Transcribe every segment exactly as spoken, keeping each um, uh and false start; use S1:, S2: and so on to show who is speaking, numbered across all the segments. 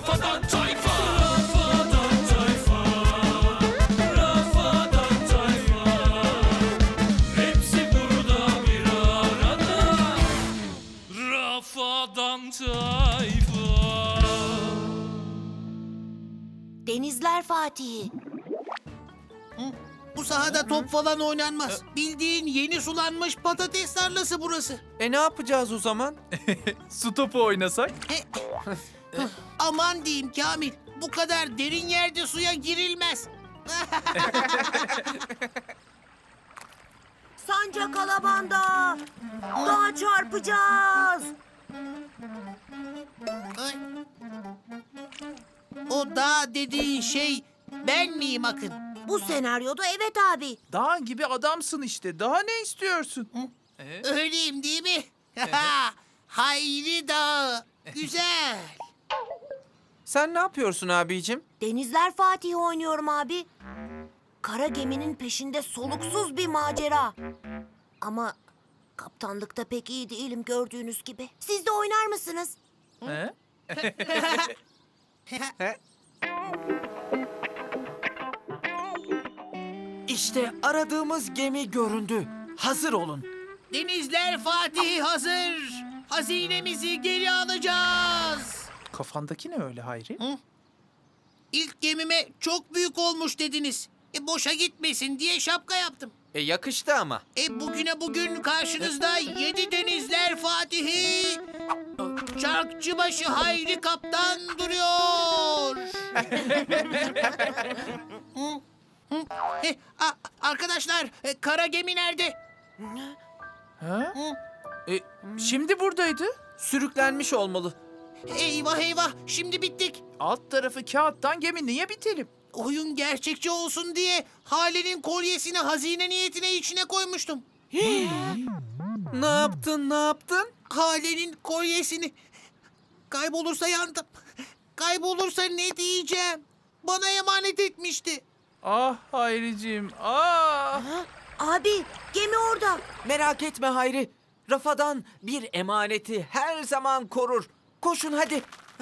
S1: Rafadan Tayfa. Rafadan Tayfa. Rafadan Tayfa. Hepsi burada bir arada. Rafadan Tayfa.
S2: Denizler Fatih'i.
S3: Bu sahada top falan oynanmaz. Bildiğin yeni sulanmış patates tarlası burası.
S4: E ne yapacağız o zaman? Su topu oynasak?
S3: Aman diyeyim Kamil, bu kadar derin yerde suya girilmez.
S2: Sancak alabanda. Dağa çarpacağız.
S3: Ay. O dağ dediğin şey ben miyim Akın?
S2: Bu senaryoda evet abi.
S4: Dağ gibi adamsın işte. Daha ne istiyorsun?
S3: Öyleyim değil mi? Hayri Dağı. Güzel.
S4: Sen ne yapıyorsun abicim?
S2: Denizler Fatih'i oynuyorum abi. Kara geminin peşinde soluksuz bir macera. Ama kaptanlıkta pek iyi değilim gördüğünüz gibi. Siz de oynar mısınız?
S4: He?
S5: İşte aradığımız gemi göründü. Hazır olun.
S3: Denizler Fatih hazır. Hazinemizi geri alacağız.
S4: Kafandaki ne öyle Hayri?
S3: İlk gemime çok büyük olmuş dediniz. E boşa gitmesin diye şapka yaptım.
S5: E yakıştı ama.
S3: E bugüne bugün karşınızda yedi denizler Fatihi, Çarkçıbaşı Hayri Kaptan duruyor. Hı, hı. E, a- arkadaşlar, e, kara gemi nerede?
S4: Ha? E, şimdi buradaydı.
S5: Sürüklenmiş olmalı.
S3: Eyvah eyvah, şimdi bittik.
S4: Alt tarafı kağıttan gemi niye bitelim?
S3: Oyun gerçekçi olsun diye Hale'nin kolyesini hazine niyetine içine koymuştum.
S5: Ne yaptın, ne yaptın?
S3: Hale'nin kolyesini. Kaybolursa yandım. Kaybolursa ne diyeceğim? Bana emanet etmişti.
S4: Ah Hayriciğim, ah!
S2: Abi gemi orada.
S5: Merak etme Hayri. Rafadan bir emaneti her zaman korur. Koşun hadi.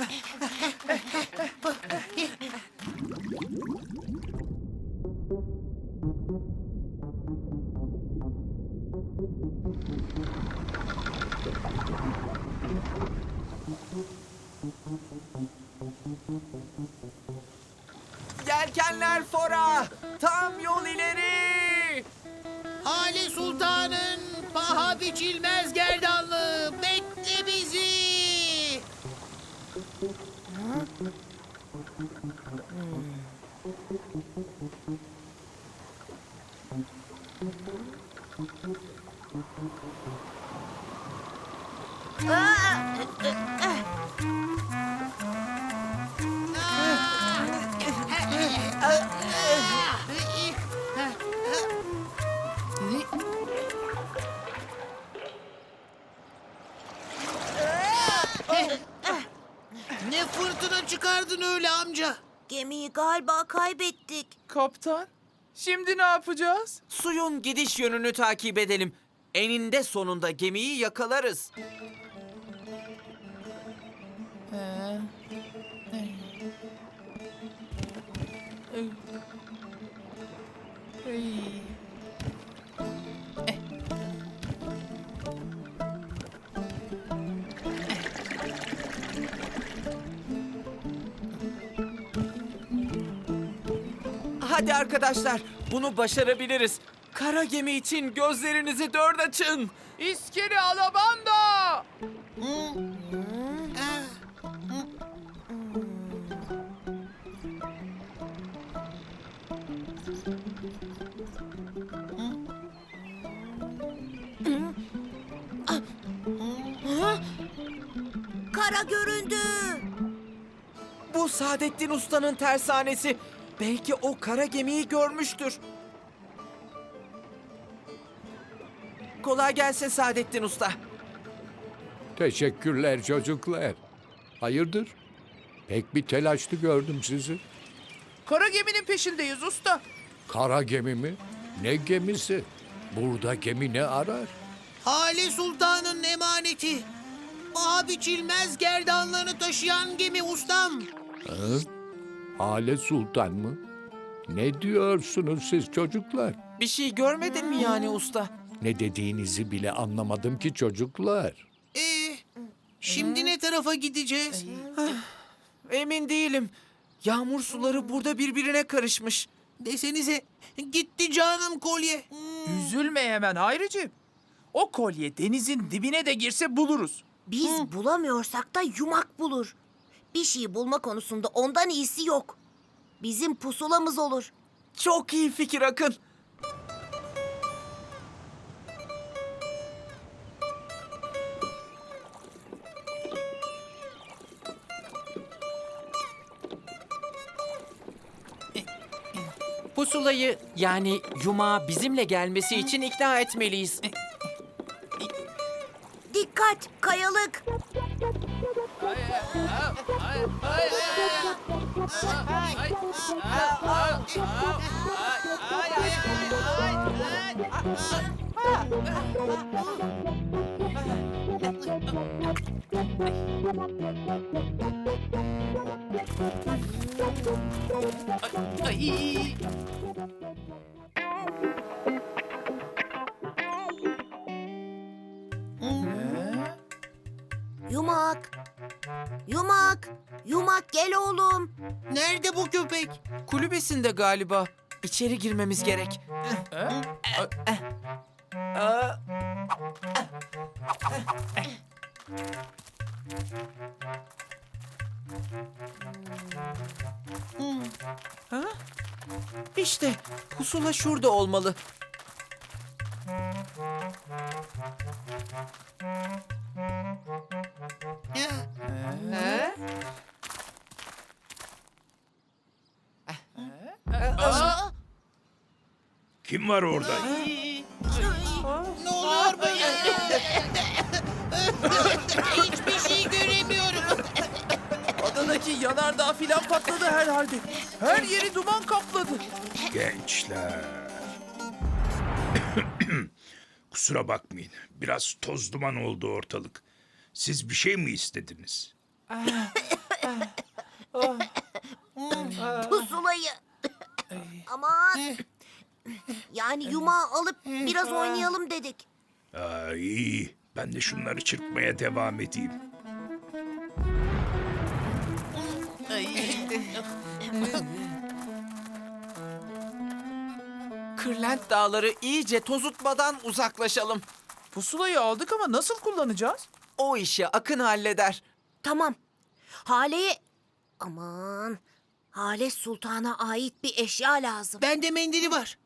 S5: Yelkenler fora. Tam yol ileri.
S3: Hale Sultan'ın paha biçilmez gerdanlığı bekle bizi. Ne fırtına çıkardın öyle amca?
S2: Gemiyi galiba kaybettik.
S4: Kaptan, şimdi ne yapacağız?
S5: Suyun gidiş yönünü takip edelim. Eninde sonunda gemiyi yakalarız. Hadi arkadaşlar, bunu başarabiliriz. Kara gemi için gözlerinizi dört açın.
S4: İskele alabanda!
S2: Kara göründü.
S5: Bu Saadettin Usta'nın tersanesi. Belki o kara gemiyi görmüştür. Kolay gelsin Saadettin Usta.
S6: Teşekkürler çocuklar. Hayırdır? Pek bir telaşlı gördüm sizi.
S4: Kara geminin peşindeyiz usta.
S6: Kara gemi mi? Ne gemisi? Burada gemi ne arar?
S3: Hale Sultan'ın emaneti. Paha biçilmez gerdanlığını taşıyan gemi ustam.
S6: Hı? Hale Sultan mı? Ne diyorsunuz siz çocuklar?
S5: Bir şey görmedin mi yani usta?
S6: Ne dediğinizi bile anlamadım ki çocuklar.
S3: Ee, şimdi ne tarafa gideceğiz?
S5: Emin değilim. Yağmur suları burada birbirine karışmış.
S3: Desenize gitti canım kolye.
S4: Üzülme hemen Hayricim. O kolye denizin dibine de girse buluruz.
S2: Biz bulamıyorsak da yumak bulur. Bir şey bulma konusunda ondan iyisi yok. Bizim pusulamız olur.
S5: Çok iyi fikir Akın. Pusulayı yani yumağa bizimle gelmesi için ikna etmeliyiz.
S2: Dikkat, kayalık.
S3: Ay.
S2: Yumak. Yumak. Yumak gel oğlum.
S3: Nerede bu köpek?
S5: Kulübesinde galiba. İçeri girmemiz gerek. Aa, Ha? İşte pusula şurada olmalı. Ha?
S7: Kim var orada?
S3: Ne oluyor böyle? Hiçbir şey göremiyorum.
S4: Adadaki yanardağ filan patladı herhalde. Her yeri duman kapladı.
S7: Gençler. Kusura bakmayın. Biraz toz duman oldu ortalık. Siz bir şey mi istediniz?
S2: Pusulayı. Aman. Yani yumağı alıp biraz oynayalım dedik.
S7: Aa, iyi. Ben de şunları çırpmaya devam edeyim.
S5: Kırlent dağları iyice tozutmadan uzaklaşalım.
S4: Pusulayı aldık ama nasıl kullanacağız?
S5: O işi Akın halleder.
S2: Tamam. Hale'ye... Aman. Hale Sultan'a ait bir eşya lazım.
S3: Bende mendili var.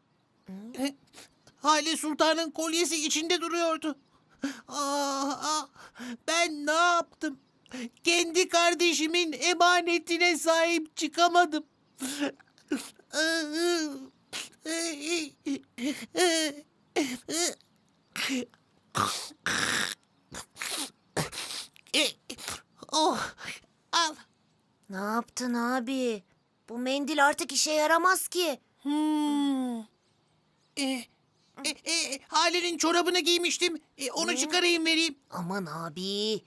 S3: Hale Sultan'ın kolyesi içinde duruyordu. Aa, aa, ben ne yaptım? Kendi kardeşimin emanetine sahip çıkamadım. Oh, al.
S2: Ne yaptın abi? Bu mendil artık işe yaramaz ki.
S3: Hmm. E, e, e, Hale'nin çorabını giymiştim. E, onu çıkarayım vereyim.
S2: Aman abi.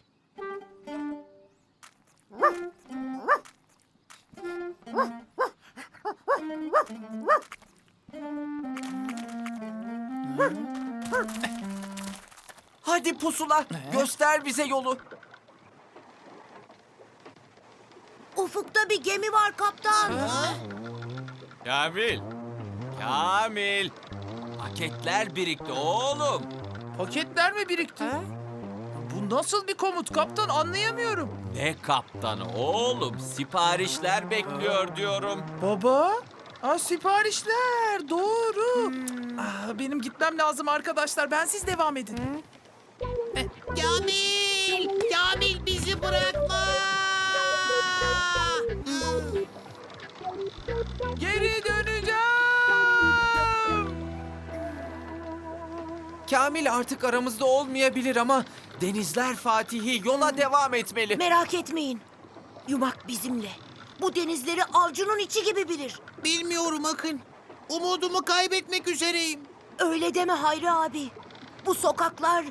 S5: Hadi pusula, göster bize yolu.
S2: Ufukta bir gemi var kaptan.
S5: Kamil, Kamil. Paketler birikti oğlum.
S4: Paketler mi birikti? Bu nasıl bir komut kaptan anlayamıyorum.
S5: Ne kaptanı oğlum, siparişler bekliyor diyorum.
S4: Baba? Aa, siparişler doğru. Aa, benim gitmem lazım arkadaşlar. Ben siz devam edin.
S3: Kamil! Kamil bizi bırakma!
S4: Geri döneceğim.
S5: Kamil artık aramızda olmayabilir ama Denizler Fatihi yola devam etmeli.
S2: Merak etmeyin. Yumak bizimle. Bu denizleri avcunun içi gibi bilir.
S3: Bilmiyorum Akın. Umudumu kaybetmek üzereyim.
S2: Öyle deme Hayri abi. Bu sokaklar...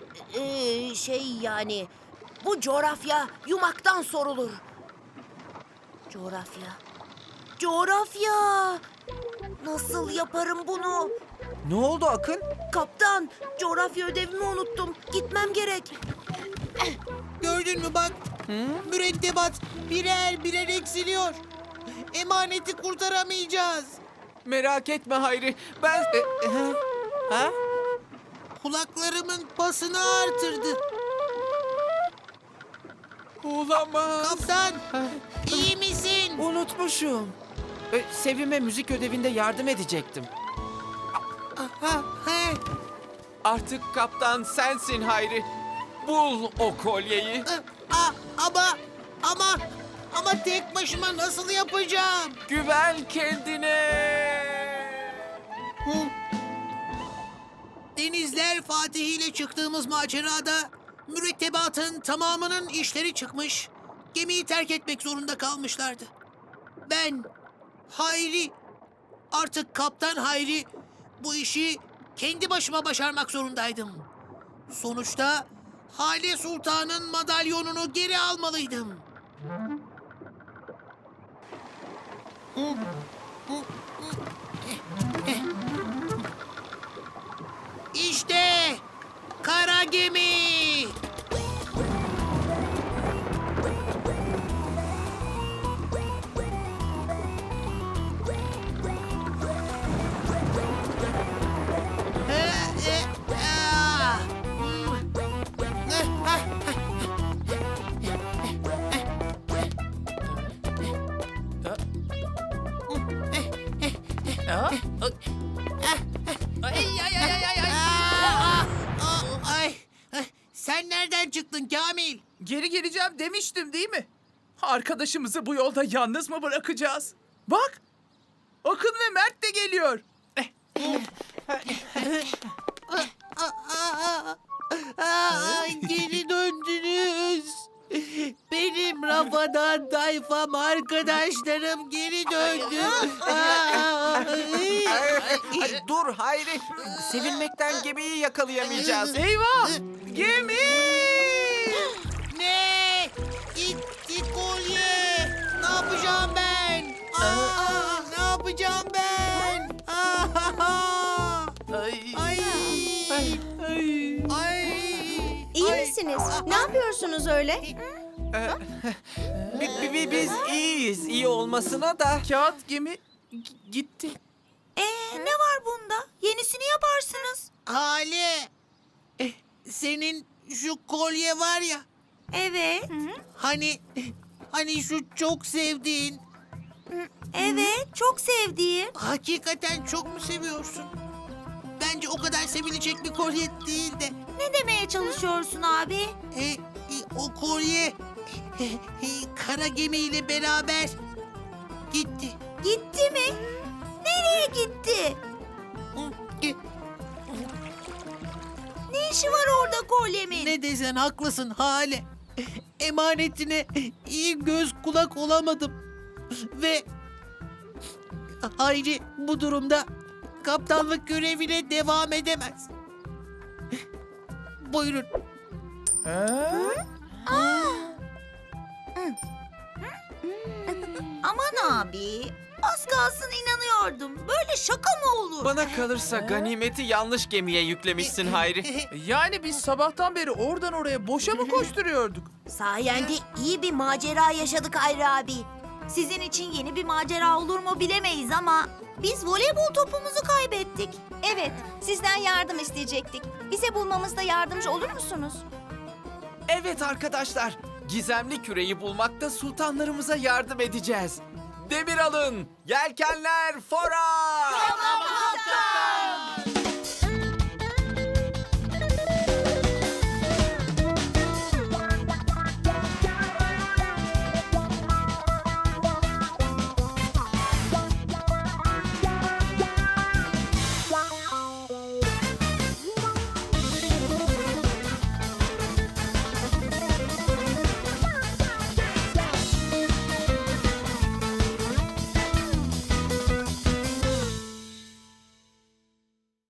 S2: eee, şey yani... Bu coğrafya yumaktan sorulur. Coğrafya. Coğrafya. Nasıl yaparım bunu?
S5: Ne oldu Akın?
S2: Kaptan, coğrafya ödevimi unuttum. Gitmem gerek.
S3: Gördün mü bak? Mürettebat birer birer eksiliyor. Emaneti kurtaramayacağız.
S5: Merak etme Hayri. Ben... E, e, ha? ha?
S3: Kulaklarımın pasını artırdı.
S5: Olamaz.
S3: Kaptan, iyi misin?
S5: Unutmuşum. E, Sevim'e müzik ödevinde yardım edecektim.
S3: Ha, he.
S5: Artık kaptan sensin Hayri. Bul o kolyeyi.
S3: A, ama, ama, ama tek başıma nasıl yapacağım?
S5: Güven kendine.
S3: Hı? Denizler Fatih ile çıktığımız macerada mürettebatın tamamının işleri çıkmış, gemiyi terk etmek zorunda kalmışlardı. Ben, Hayri, artık Kaptan Hayri bu işi kendi başıma başarmak zorundaydım. Sonuçta Hale Sultan'ın madalyonunu geri almalıydım. İşte kara gemi. Ee, e, ah. Hmm. Eh, ah,
S4: Ha?
S3: Ay ay ay ay ay. Aa, aa, ay. Ay, sen nereden çıktın Kamil?
S4: Geri geleceğim demiştim değil mi? Arkadaşımızı bu yolda yalnız mı bırakacağız? Bak! Akın ve Mert de geliyor.
S3: Aa, aa, geri döndünüz. Benim Rafadan tayfam arkadaşlarım geri döndü. Aa, ay.
S5: Ay, dur Hayri. Sevinmekten gemiyi yakalayamayacağız.
S4: Eyvah! Gemi!
S3: Ne? Gitti kolye. Ne yapacağım ben? Aa, ne yapacağım ben? Aa,
S4: Ay.
S3: ay.
S4: Ay.
S3: Ay.
S8: İyi
S3: Ay.
S8: misiniz? Ne yapıyorsunuz öyle?
S5: Bi- bi- bi- biz iyiyiz. İyi olmasına da.
S4: Kağıt gemi g- gitti.
S2: Ee, ne var bunda? Yenisini yaparsınız.
S3: Hale. Eh, senin şu kolye var ya.
S2: Evet,
S3: Hani hani şu çok sevdiğin.
S2: evet. Çok sevdiğim.
S3: Hakikaten çok mu seviyorsun? Bence o kadar sevilecek bir kolye değil de.
S2: Ne demeye çalışıyorsun abi?
S3: E, e, o kolye e, e, kara gemiyle beraber gitti.
S2: Gitti mi? Nereye gitti?
S3: E,
S2: Ne işi var orada kolyemin?
S3: Ne desen haklısın Hale. Emanetine iyi göz kulak olamadım. Ve Hayri bu durumda kaptanlık görevine devam edemez. Buyurun.
S4: Ha?
S2: Aman abi. Az kalsın inanıyordum. Böyle şaka mı olur?
S5: Bana kalırsa ganimeti yanlış gemiye yüklemişsin Hayri.
S4: Yani biz sabahtan beri oradan oraya boşa mı koşturuyorduk?
S2: Sayende iyi bir macera yaşadık Hayri abi. Sizin için yeni bir macera olur mu bilemeyiz ama biz voleybol topumuzu kaybettik.
S8: Evet, sizden yardım isteyecektik. Bize bulmamızda yardımcı olur musunuz?
S5: Evet arkadaşlar. Gizemli küreyi bulmakta sultanlarımıza yardım edeceğiz. Demir alın. Yelkenler fora.
S2: Tamam kaptan.